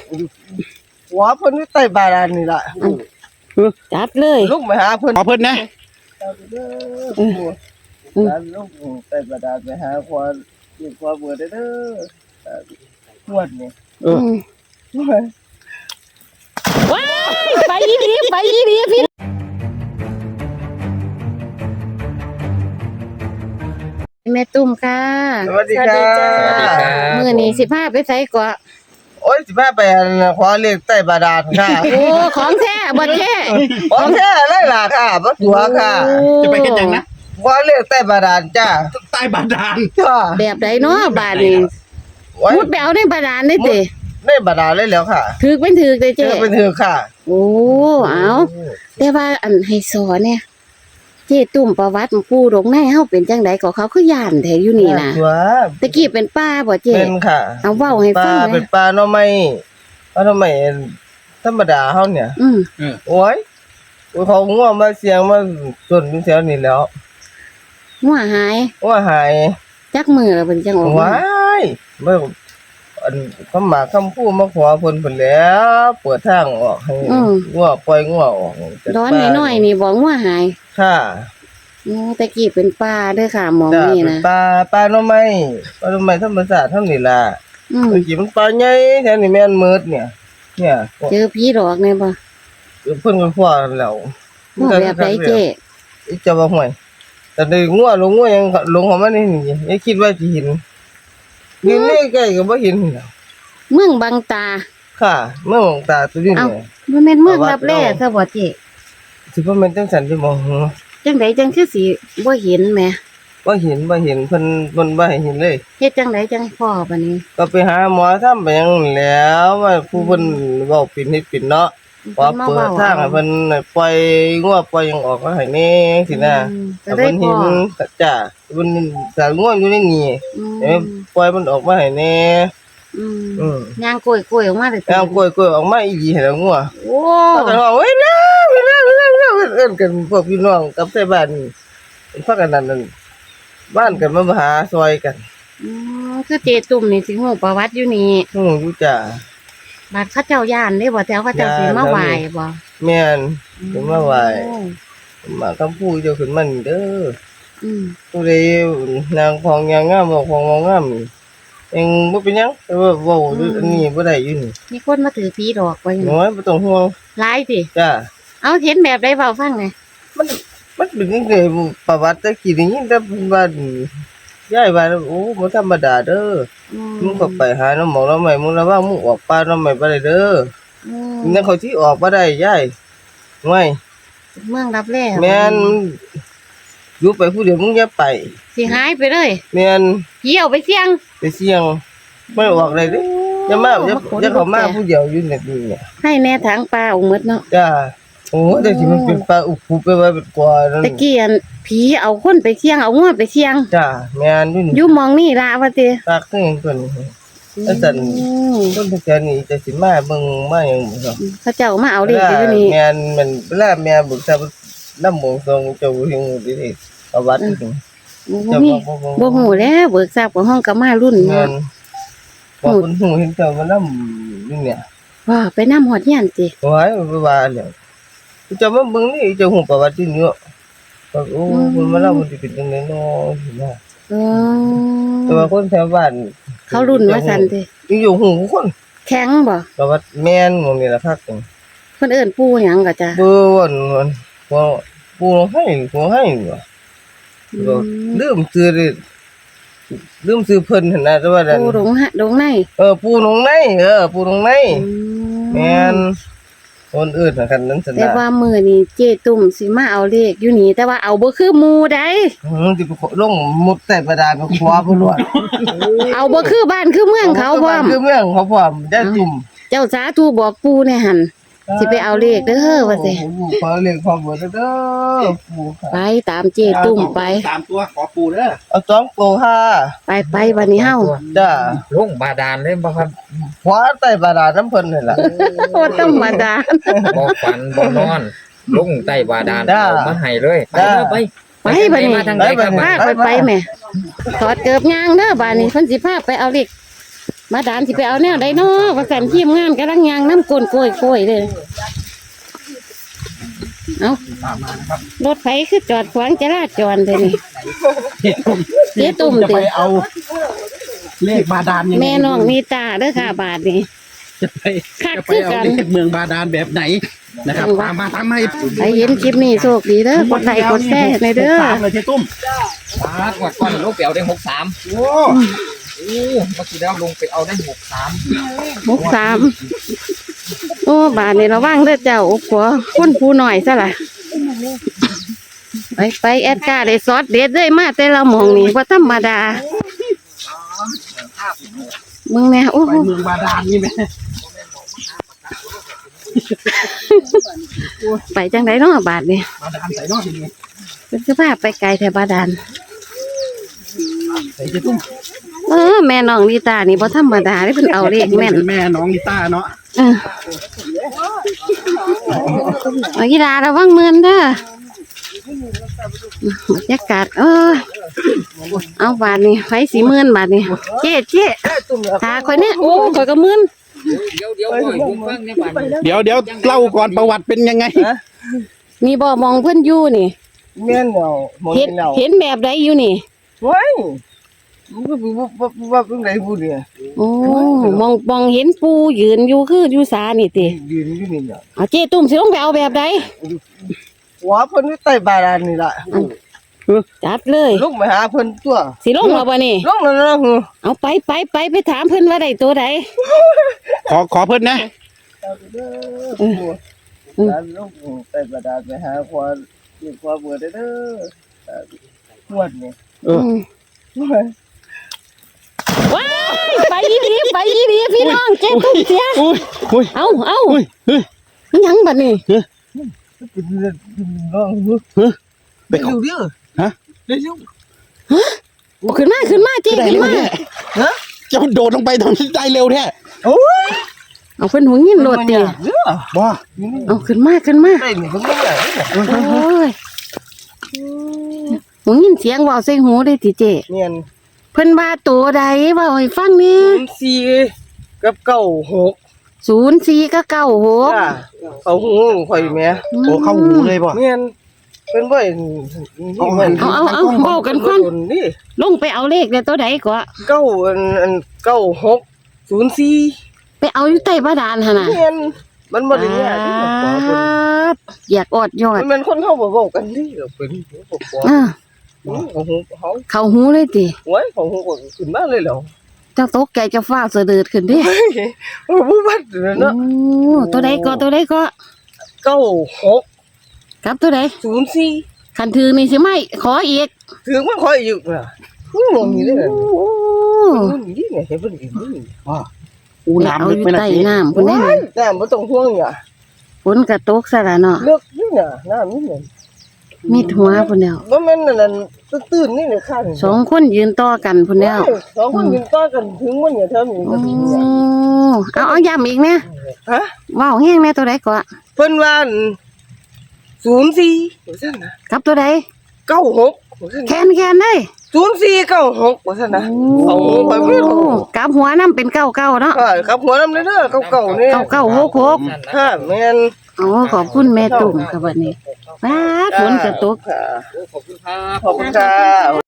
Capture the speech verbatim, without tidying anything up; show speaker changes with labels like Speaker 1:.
Speaker 1: หัวเพิ่นอยู่ใต้บาดาลนี่ล่ะ
Speaker 2: จัดเลย
Speaker 1: ลุกไปหาเพิ่น
Speaker 3: ขอเพิ่นนะ
Speaker 1: เออแล้วลุกใต้บาดาลไปหาขวาเรียกขวาเบิดเด้อหวดนี่
Speaker 3: เออ
Speaker 2: ว้ายไปอีหลีไปอีหลีพี่แม่ตุ้มค่ะ
Speaker 1: สวัสดีค่ะ
Speaker 2: มื้อนี้สิพาไปไสก่อ
Speaker 1: โอ้ยสิพาไปขอเลขใต้บาดาลค่ะ
Speaker 2: โอ้ของแท้บ่แท้
Speaker 1: ของแท้เลยล่ะค่ะบ่ตัวค่ะ
Speaker 3: จะไปเฮ็ดหยังนะ
Speaker 1: ขอเลขใต้บาดาลจ้า
Speaker 3: ใต้บาดาล
Speaker 1: จ้า
Speaker 2: แบบใดเนาะบาดนี้มุดไปเอาในบาดาลได้ติ
Speaker 1: ในบาดาลเลยแล้วค่ะ
Speaker 2: ถึกเป็นถึกเด้เจ้
Speaker 1: เป็นถึกค่ะ
Speaker 2: โอ้เอาแต่ว่าอันให้สอนเนี่ยเจ้ตุ่มประวัติปู่ดงในเฮาเป็นจังได๋ก็เขาคือย่านแท้อยู่นี่น่ะตะกี้เป็นป้าบ่เจ้
Speaker 1: เป็นค่ะ
Speaker 2: เอาเว้าให้ฟัง
Speaker 1: ป้าเป็นป้าเนาะไม่เอาทำไมธรรมดาเฮาเนี่ย
Speaker 2: อืม
Speaker 1: โอ้ยเขาง่วงมาเสียงมาจนแถวนี้แล้ว
Speaker 2: งัวหาย
Speaker 1: งัวหาย
Speaker 2: จักมือแล้วเพิ่นจังออก
Speaker 1: ว้ายเบิ่งอันคำหมากคำพูดมาขอเพิ่นเพิ่นแล้วเปิดทางออกให้งัวปล่อยงัวออก
Speaker 2: ร้อนน้อยๆนี่บ่งัวหาย
Speaker 1: ค่ะ
Speaker 2: โอ้ตะกี้เป็นป้าเด้อค่ะหมองนี่นะ
Speaker 1: ป้าป้าเนาะไม่ป้าเนาะไม่ธรรมชาติเท่านี้ล่ะ
Speaker 2: อืม
Speaker 1: เมื่อกี้มันปลาใหญ่แถวนี้แม่นมืดเนี่ยเนี่ย
Speaker 2: เจอผีหลอกแน่บ่
Speaker 1: เพิ่นก็พอแล้ว
Speaker 2: แบบใดเจ้
Speaker 1: อีจะบ่ห่วยแต่ได้งัวลงงัวยังลงเข้ามานี่นี่อย่าคิดว่าสิเห็นนี่นี่ใกล้ก็บ่เห็นแล้ว
Speaker 2: เมืองบางตา
Speaker 1: ค่ะเมืองบางตาตัวนี้
Speaker 2: เนี่ยบ่แม่นเมืองรับแลซะบ่เจ้
Speaker 1: สิบ่แม่นจังซั่นสิบ่ฮู้
Speaker 2: จังไดจังคือสิบ่เห็นแหม
Speaker 1: บ่เห็นบ่เห็นเพิ่นเพิ่นบ่ให้เห็นเลย
Speaker 2: เฮ็ดจังไดจังพ้อบัดนี้
Speaker 1: ก็ไปหาหมอทำไปหยังแล้วว่าผู้เพิ่นเว้าเป็นเฮ็ดเป็นเนาะพอเปิดทางให้เพิ่นปล่อยงัวปล่อยหยังออกมาให้แน่จังซี่นะ
Speaker 2: ก็ได้
Speaker 1: เห็นจ้ะเพิ่นสางัวอยู่ในนี่เอ้ปล่อยมันออกมาให้แน่
Speaker 2: อืมอือย่างกล้วยๆออกมาได้
Speaker 1: ย่างกล้วยๆออกมาอีหลีให้แล้วงัว
Speaker 2: โอ้
Speaker 1: ก็ร้องเอ้ยนะเอิ้นเอิ้นกันพวกพี่น้องกับใส่บ้านพากันนั่นบ้านกันมาหาซอยกัน
Speaker 2: อือคือเจตุ่มนี่สิฮู้ประวัติอยู่นี่
Speaker 1: ฮู้อยู่จ้ะ
Speaker 2: บัดเขาเจ้าย่านเด้บ่แถวเขาเจ้าสิมาไหว้บ่
Speaker 1: แม่นสิมาไหว้มาคำพูดเจ้าขึ้นมานี่เด้อ
Speaker 2: อืม
Speaker 1: ผู้ใดนางของยางงามบอกของงามเองบ่เป็นหยังแต่ว่าเว้าอันนี้บ่ได้อยู่นี่
Speaker 2: มีคนมาถือผีดอกไว้
Speaker 1: น้อยบ่ต้องห่วง
Speaker 2: หลายติ
Speaker 1: จ้ะ
Speaker 2: เอาเห็นแบบใดเว้าฟังหน่อย
Speaker 1: มันมันเป็นจังได๋ประวัติตะกี้ได้ยินแต่เพิ่นว่ายายว่าโอ้บ่ธรรมดาเด้อมึงก็ไปหาน้ำหมอกน้ำใหม่มึงระวังมึงออกป่าน้ำใหม่บ่ได้เด้ออือนั่นเขาสิออกบ่ได้ยายห่วย
Speaker 2: เมืองรับแล
Speaker 1: แม่นอยู่ไปผู้เดียวมึงอย่าไป
Speaker 2: สิหายไปเลย
Speaker 1: แม่น
Speaker 2: ผีเอาไปเสี่ยง
Speaker 1: ไปเสี่ยงบ่ออกได้เด้อย่ามาอย่าเข้ามาผู้เดียวอยู่นี่เนี่ย
Speaker 2: ให้แน่ทางป่าเอาหมดเนาะ
Speaker 1: จ้าโอ้แต่สิมันเป็นป่าอุกไปไว้เป็นกว่านั่น
Speaker 2: ตะกี้อันผีเอาคนไปเสี่ยงเอางัวไปเสี่ยง
Speaker 1: จ้าแม่นอยู่นี่
Speaker 2: อยู่มองนี่ล่ะว่าติ
Speaker 1: ปากคือหยังตัวนี้อาจารย์ต้นตะแกนี่จะสิมาเบิ่งมาหยังบ่ครับ
Speaker 2: เขาเจ้ามาเอาเลขอยู่นี่
Speaker 1: แม่นมันเวลาแม่บึกซะนำบ่ทรงเจ้าเฮงดิประวัตินี่
Speaker 2: บ่มีบ่ฮู้แล้วเบิกทราบของห้องก็มารุ่น
Speaker 1: แม่นบ่เพิ่นฮู้เห็นเจ้ามานำนี่เนี่ย
Speaker 2: ว่าไปนำฮอดเฮียนติ
Speaker 1: โอ้ยบ่ว่าแล้วเจ้ามาเบิ่งนี่เจ้าฮู้ประวัตินี่เนาะก็โอ้เพิ่นมาเล่ามันสิเป็นจังได๋เนาะสินะ
Speaker 2: อ๋อ
Speaker 1: แต่ว่าคนแถวบ้าน
Speaker 2: เขารุ่นว่าซั่นติ
Speaker 1: อยู่ฮู้คน
Speaker 2: แข็งบ่
Speaker 1: ประวัติแม่นหม่องนี่ล่ะคักเ
Speaker 2: พิ่นเอิ้นปู่หยังก็จ้ะ
Speaker 1: ปู่ว่นบ่ปู่ให้ปู่ให้บ่ลืมชื่อดิลืมชื่อเพิ่นหั่นน่ะแต่ว่า
Speaker 2: ปู่ดงฮะดงใน
Speaker 1: เออปู่ดงในเออปู่ดงในแม่นคนอื่นน่ะคั่นนั้นซั่นน่ะ
Speaker 2: แต่ว่ามื้อนี้เจตุ่มสิมาเอาเลขอยู่นี่แต่ว่าเอาบ่คือหมู่ใด
Speaker 1: อือสิลงมุดใต้บาดาลก็ขวาบ่รอด
Speaker 2: เอาบ่คือบ้านคือเมืองเขาพร้อม
Speaker 1: คือเมืองเขาพร้อมได้ตุ่ม
Speaker 2: เจ้าสาธุบอกปู่แน่หั่นสิไปเอาเลขเด้อว่าสิ
Speaker 1: ขอเลขขอเบอร์เด้อปู่
Speaker 2: ไปตามเจตุ่มไป
Speaker 3: สามตัวขอปู่เด้อ
Speaker 1: เอาสองตัวค่ะ
Speaker 2: ไปไปวันนี้เฮา
Speaker 1: จ้า
Speaker 3: ลงบาดาลเลยบ่ครับ
Speaker 1: ขวาใต้บาดาลน้ำเพิ่นนี่ล่ะ
Speaker 2: บ่ธรรมดา
Speaker 3: บ่ฝันบ่นอนลงใต้บาดาลเอามาให้เลยไปไป
Speaker 2: ไปบัดนี้พาไปไปแม่ถอดเกือบย่างเด้อบัดนี้เพิ่นสิพาไปเอาเลขมาดานสิไปเอาแนวใดเนาะว่าสันทีมงานกำลังยางน้ำกลนโกยโกยเลยเอารถไฟคือจอดขวางจราจรเลยนี่เจ๊ตุ่ม
Speaker 4: จะ
Speaker 2: ติ
Speaker 4: ไปเอาเลขบาดาลยังไง
Speaker 2: แม่น้องมีตาเด้อค่ะบาทนี่
Speaker 4: จะไป
Speaker 2: คัก
Speaker 4: จะไป
Speaker 2: คือ
Speaker 4: เอา
Speaker 2: กัน
Speaker 4: เลขเมืองบาดาลแบบไหนนะครับตามมาตามมา
Speaker 2: ใครเห็นคลิปนี้โชคดีเด้อกดไลค์กดแชร์ในเด้อ
Speaker 4: ตามเลยเจ๊ตุ้ม
Speaker 3: ปาดกว่าก่อนลงไปเอาได้หกสาม
Speaker 4: โอ้
Speaker 3: โอ้เมื่อกี้แล้วลงไปเอาได้หกสาม
Speaker 2: หกสามโอ้บาทนี่ระวังเด้อเจ้าโอ้โหคนผู้หน่อยซะล่ะไปไปแอดการ์ได้ซอสเด็ดเลยมาแต่ละหมองนี่ว่าธรรมดามึงแม่โอ้
Speaker 4: ไปเมืองบาดาลนี่ไหม
Speaker 2: ไปจังไดเนาะบาทนี่
Speaker 4: บาดาลใส่นอกทีนี้
Speaker 2: เป็นสภาพไปไกลแถวบาดาล
Speaker 4: ใส่เจ๊ตุ้ม
Speaker 2: เออแม่น้องลีตานี่บ่ธรรมดาได้เพิ่นเอาเลขแม่น
Speaker 4: แม่น้องลิต้าเนาะ
Speaker 2: เออเอาอีดาระวังเมือนเด้อบรรยากาศเออเอาบาทนี่ไฟสีเมือนบาทนี่เจ๊เจ๊ตาข่อยเนี่ยโอ้ข่อยก็เมือน
Speaker 3: เดี๋ยวเดี๋ยวก่อนผมฟังในบ้าน
Speaker 4: เดี๋ยวเดี๋ยวเล่าก่อนประวัติเป็นยังไง
Speaker 2: นี่บ่มองเพิ่นอยู่นี่
Speaker 1: แม่นเนาะหมด
Speaker 2: เห็น
Speaker 1: แล้ว
Speaker 2: เห็นแบบใดอยู่นี่
Speaker 1: เฮ้ยมันก็บ่บ่บ่บ่เป็นไรผู้เนี่ย
Speaker 2: โอ้มองมองเห็นปูยืนอยู่คืออยู่สานี่ติ
Speaker 1: ยืนอยู่นี่น่ะ
Speaker 2: เอาเจ๊ตุ้มสิลงไปเอาแบบใด
Speaker 1: หัวเพิ่นอยู่ใต้บาดาลนี่ล่ะ
Speaker 2: จัดเลย
Speaker 1: ลงไปหาเพิ่นตัว
Speaker 2: สิลงมาบ่นี่
Speaker 1: ลงแล้วนะหือ
Speaker 2: เอาไปไปไปไปถามเพิ่นว่าได้ตัวใด
Speaker 4: ขอขอเพิ่นนะ
Speaker 1: เออการลงใต้บาดาลไปหาความอยู่ความเบื่อเด้อหวดนี่
Speaker 4: เออ
Speaker 2: ว้ายไปอีดีไปอีดีพี่น้องเจ๊ตุ้มเสีย
Speaker 4: อุ้ยอุ้ย
Speaker 2: เอาเอา
Speaker 4: อุ้ยเฮ้ย
Speaker 2: อิหยังบัดนี้
Speaker 1: เป็นเรื่องน้องหือ
Speaker 4: ไป
Speaker 1: เร็วเด้อ
Speaker 4: ฮะ
Speaker 1: เร็ว
Speaker 2: เอาขึ้นมาขึ้นมาเจ๊
Speaker 4: ได้
Speaker 2: ขึ้น
Speaker 4: เร็ว
Speaker 2: มา
Speaker 4: แท้ฮะจะโดดลงไปทำได้เร็วแท้
Speaker 1: โอ้ย
Speaker 2: เอาเพิ่นหัวงินโลดเตีย
Speaker 1: เด้อ
Speaker 4: ว้า
Speaker 2: เอาขึ้นมาขึ้นมา
Speaker 1: ได้นี่เพิ่นบ่ได้เนี่ย
Speaker 2: โอ้ยหัวงินเสียงเว้าใส่หูได้ติเจ๊
Speaker 1: เนียน
Speaker 2: เพิ่นว่าตัวใดเว้าให้ฟังนี่
Speaker 1: สี่กับเก้าหก
Speaker 2: ศูนย์สี่ก็เก้าหก
Speaker 1: จ้าเขาหูข่อยแม่
Speaker 4: โอ้เข้าหูเลยป่ะ
Speaker 1: เนียนเพิ่นบ่เห็น
Speaker 4: เอา
Speaker 1: เพิ่น
Speaker 2: เอาเอาเอาเว้ากันก่อน
Speaker 1: นี่
Speaker 2: ลงไปเอาเลขได้ตัวใดก็
Speaker 1: เก้าอันอันเก้าหกศูนย์สี่
Speaker 2: ไปเอาอยู่ใต้บาดาลหั่นน่ะ
Speaker 1: เนียนมันบ่ได้ยากที่จะขอเพิ่น
Speaker 2: อยากอดยอด
Speaker 1: มันเป็นคนเฮาบ่เว้ากันที่ก็เป็นบ่ขอ
Speaker 2: อ่า
Speaker 1: ของหูเขา
Speaker 2: เข้าหูเลยติ
Speaker 1: ไว้ของหูก็ขึ้นมาเลยแล้ว
Speaker 2: เจ้าตกใจเจะฟ้าวเสดือดขึ้นดิ
Speaker 1: โอ้บ่บัดเนาะ
Speaker 2: โอ้ตัวใดก็ตัวใดก็
Speaker 1: เก้าหก
Speaker 2: กับตัวใด
Speaker 1: ศูนย์สี่
Speaker 2: คันถือนี่สิไม่ขออีก
Speaker 1: ถึงมันขออีกน่ะอู้มองนี่เด้อ
Speaker 2: โอ้
Speaker 1: มันนี่ไงเห็นเพิ่นอีกนี่
Speaker 4: ว้าอู
Speaker 2: ไป
Speaker 4: น้ำ
Speaker 2: เอา
Speaker 4: ลึก
Speaker 2: อยู่
Speaker 4: ไปนะ
Speaker 2: ใต้
Speaker 4: เจ๊
Speaker 2: น้ำพุ่นได้
Speaker 1: ว้ายน้ำบ่ต้องห่วงเนี่ย
Speaker 2: ฝนกระตกซะละเนาะ
Speaker 1: เลิกนี่น่ะน้ำนี่น่ะ
Speaker 2: มีหัวพุ่นแล้ว
Speaker 1: บ่แม่นนั่นนั่นตื้นๆนี่น่ะค่ะ
Speaker 2: สองคนยืนต่อกันพุ่นแล้ว
Speaker 1: สองคนยืนต่อกันถึงมันเนี่ยเท่านี้
Speaker 2: โอ้
Speaker 1: ก็ถึงเนี่ย
Speaker 2: เอาเอาย้ำอีกเนี่ย
Speaker 1: ฮะ
Speaker 2: ว้าวแห้งแน่ตัวใดก็
Speaker 1: เพิ่นว่าศูนย์สี่ว่าซั่นน่ะ
Speaker 2: กับตัวใด
Speaker 1: เก้าหกว่าซั่น
Speaker 2: แคนแคนเลย
Speaker 1: ศูนย์สี่เก้าหกว่าซั่นน่ะเอาไปเบิ่ง
Speaker 2: กลับหัวน้ำเป็นเก้าเก้าเนาะ
Speaker 1: ค่ะกับหัวนำเด้อเก่าๆนี่
Speaker 2: เก้าเก้าหกหก
Speaker 1: ค่ะแม่น
Speaker 2: อ๋อขอบคุณแม่ตุ่มค่ะวันนี้ป้าดฝนกระตก
Speaker 1: ค่ะ
Speaker 3: ขอบคุณครับ
Speaker 1: ขอบคุณค่ะ